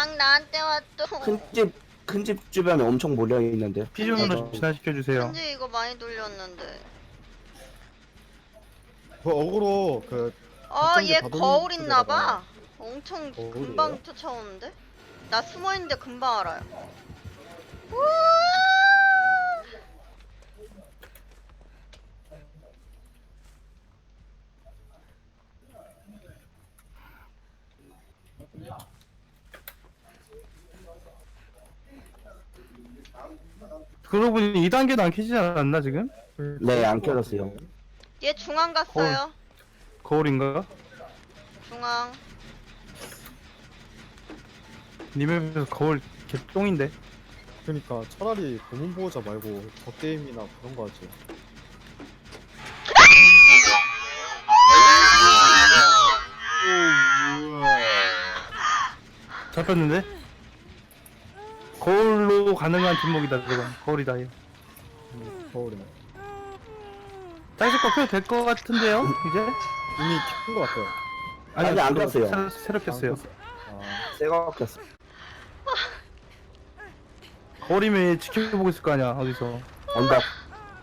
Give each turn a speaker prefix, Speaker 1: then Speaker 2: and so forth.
Speaker 1: 막 나한테 왔어.
Speaker 2: 큰 집 주변에 엄청 몰려 있는데.
Speaker 3: 피존으로 진화시켜주세요.
Speaker 1: 현재 이거 많이 돌렸는데.
Speaker 4: 그 어그로 그
Speaker 1: 얘
Speaker 4: 받은
Speaker 1: 거울
Speaker 4: 쪽에다가-
Speaker 1: 있나봐. 엄청
Speaker 4: 거울이에요?
Speaker 1: 금방 쫓아오는데? 나 숨어있는데 금방 알아요. 우와!
Speaker 3: 그러고 보니 2단계도 안 켜지지 않았나 지금?
Speaker 2: 네, 안 켜졌어요.
Speaker 1: 얘 중앙 갔어요.
Speaker 3: 거울인가?
Speaker 1: 중앙.
Speaker 3: 님의 거울 개똥인데.
Speaker 4: 그러니까 차라리 고문 보호자 말고 저 게임이나 그런 거 하지.
Speaker 3: 잡혔는데? 거울로 가능한 뒷목이다 저건. 거울이다 얘.
Speaker 4: 거울이네.
Speaker 3: 짤집 거 켜도 될 것 같은데요? 이제?
Speaker 4: 이미 켠거 같아요.
Speaker 2: 아니, 안
Speaker 3: 그거
Speaker 2: 켰어요.
Speaker 3: 새로 켰어요.
Speaker 4: 아,
Speaker 2: 새거 켰어.
Speaker 3: 거울이면 얘 지켜보고 있을 거 아니야 어디서.
Speaker 2: 언덕.